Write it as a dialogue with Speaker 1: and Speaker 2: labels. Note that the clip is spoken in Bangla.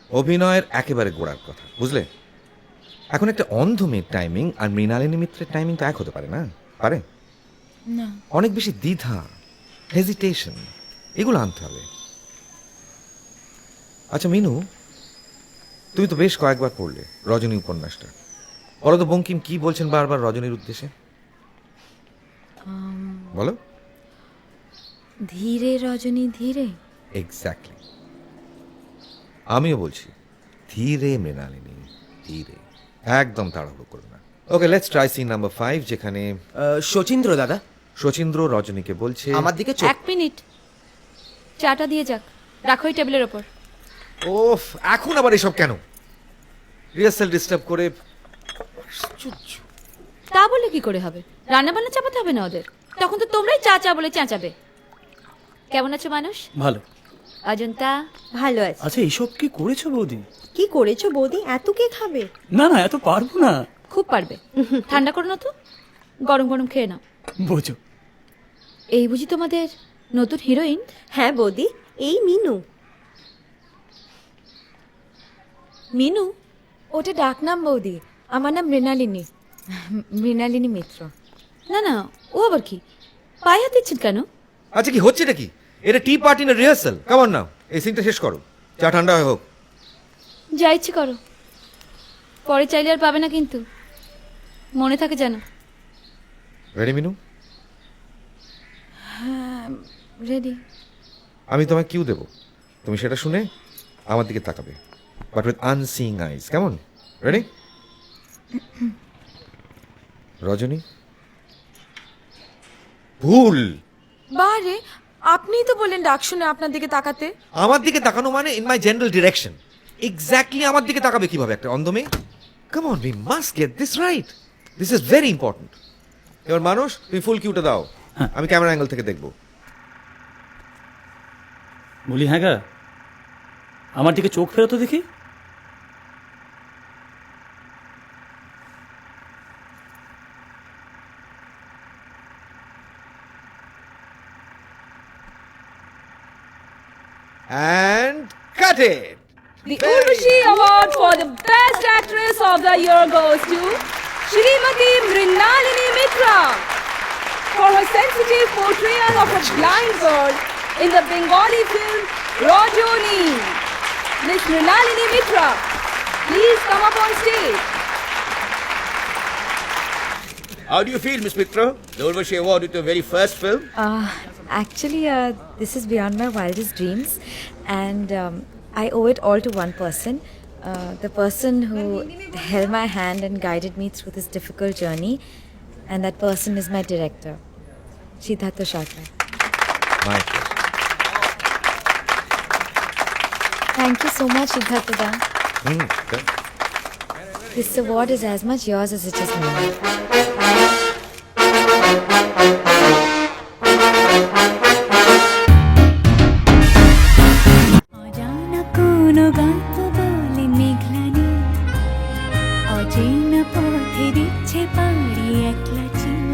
Speaker 1: অভিনয়ের একেবারে গোড়ার কথা, বুঝলে? এখন একটা অন্ধ মেয়ের টাইমিং আর মৃণালিনী মিত্রের টাইমিং তো এক হতে পারে না? পারে?
Speaker 2: না।
Speaker 1: অনেক বেশি দ্বিধা, হেজিটেশন, এগুলো আনতে হবে। আচ্ছা মিনু, তুমি তো বেশ কয়েকবার পড়লে রজনী উপন্যাসটা। বলো তো বঙ্কিম কি বলছেন বারবার রজনীর উদ্দেশ্যে? বলো।
Speaker 2: ধীরে রজনী ধীরে।
Speaker 1: এক্স্যাক্টলি, আমিও বলছি ধীরে মৃণালিনী, ধীরে, একদম তাড়াহুড়ো করো না। Okay, let's try scene number 5, যেখানে
Speaker 3: শচীন্দ্র দাদা
Speaker 1: শচীন্দ্র রজনীকে বলছে
Speaker 3: আমার দিকে চোখ।
Speaker 2: 1 মিনিট, চাটা দিয়ে যাক, রাখো এই টেবিলের ওপর।
Speaker 1: ওফ, এখন আবার এসব কেন? রিহার্সাল ডিস্টার্ব করে।
Speaker 2: তা বলে কি করে হবে? রান্না বান্না চাপাতে হবে না ওদের, তখন তো তোমরাই চা চা বলে চেঁচাবে। কেমন আছো মানুষ?
Speaker 4: ভালো।
Speaker 2: অজন্তা?
Speaker 5: ভালো আছে।
Speaker 4: আচ্ছা এইসব কি করেছো বৌদি?
Speaker 5: কি করেছো বৌদি? এত কে খাবে?
Speaker 4: না না, এত পারবো না।
Speaker 2: খুব পারবে, ঠান্ডা করো না তো, গরম গরম খেয়ে নাও।
Speaker 4: বোঝো।
Speaker 2: এই বুঝি তোমাদের নতুন হিরোইন?
Speaker 5: হ্যাঁ বৌদি, এই মিনু।
Speaker 2: মিনু?
Speaker 6: ওটা ডাকনাম বৌদি, আমার নাম মৃণালিনী, মৃণালিনী মিত্র।
Speaker 2: না না, ও আবার কি? পায়ে হাত দিচ্ছেন কেন?
Speaker 1: আচ্ছা কি হচ্ছে এটা? কি এটা? টি পার্টি না রিহার্সাল? কেমন নাও, এই সিনটা শেষ করো, চা ঠান্ডা হয়ে হোক।
Speaker 2: যা ইচ্ছে করো, পরে চাইলে আর পাবে না কিন্তু, মনে থাকে যেন।
Speaker 1: রেডি মিনু?
Speaker 6: রেডি।
Speaker 1: আমি তোমায় কিউ দেবো, তুমি সেটা শুনে আমার দিকে তাকাবে, বাট উইথ আনসিং আইজ। কেমন? রেডি? রজনী? ভুল।
Speaker 6: বারে, আপনিই তো বললেন ডাক শুনে আপনার দিকে তাকাতে।
Speaker 1: আমার দিকে তাকানো মানে in my general direction. Exactly আমার দিকে তাকাবে কিভাবে একটা অন্ধ মেয়ে? Come on, we must get this right, this is very important. এবার মানুষ, তুমি ফুল কিউটা দাও, আমি ক্যামেরা অ্যাঙ্গেল থেকে দেখবো।
Speaker 4: বলি হ্যাঁ গা, আমার দিকে চোখ ফেরতো দেখি।
Speaker 1: And cut it.
Speaker 7: The Urvashi Award for the Best Actress of the Year goes to Shrimati Mrinalini Mitra for her sensitive portrayal of a blind girl in the Bengali film Rajoni. Miss Mrinalini Mitra, please come up on stage.
Speaker 3: How do you feel, Miss Mitra? The Urvashi Award with your very first film?
Speaker 6: Actually, this is beyond my wildest dreams, and I owe it all to one person, the person who held my hand and guided me through this difficult journey, and that person is my director, Siddhartha Sharkar.
Speaker 1: My
Speaker 6: Thank you so much, Siddhartha da.
Speaker 1: pleasure.
Speaker 6: This award is as much yours as it is mine.
Speaker 8: অজানা কোনো গল্প বলে মেঘলানি, অচেনা পথে দিচ্ছে পাড়ি একলা চিন।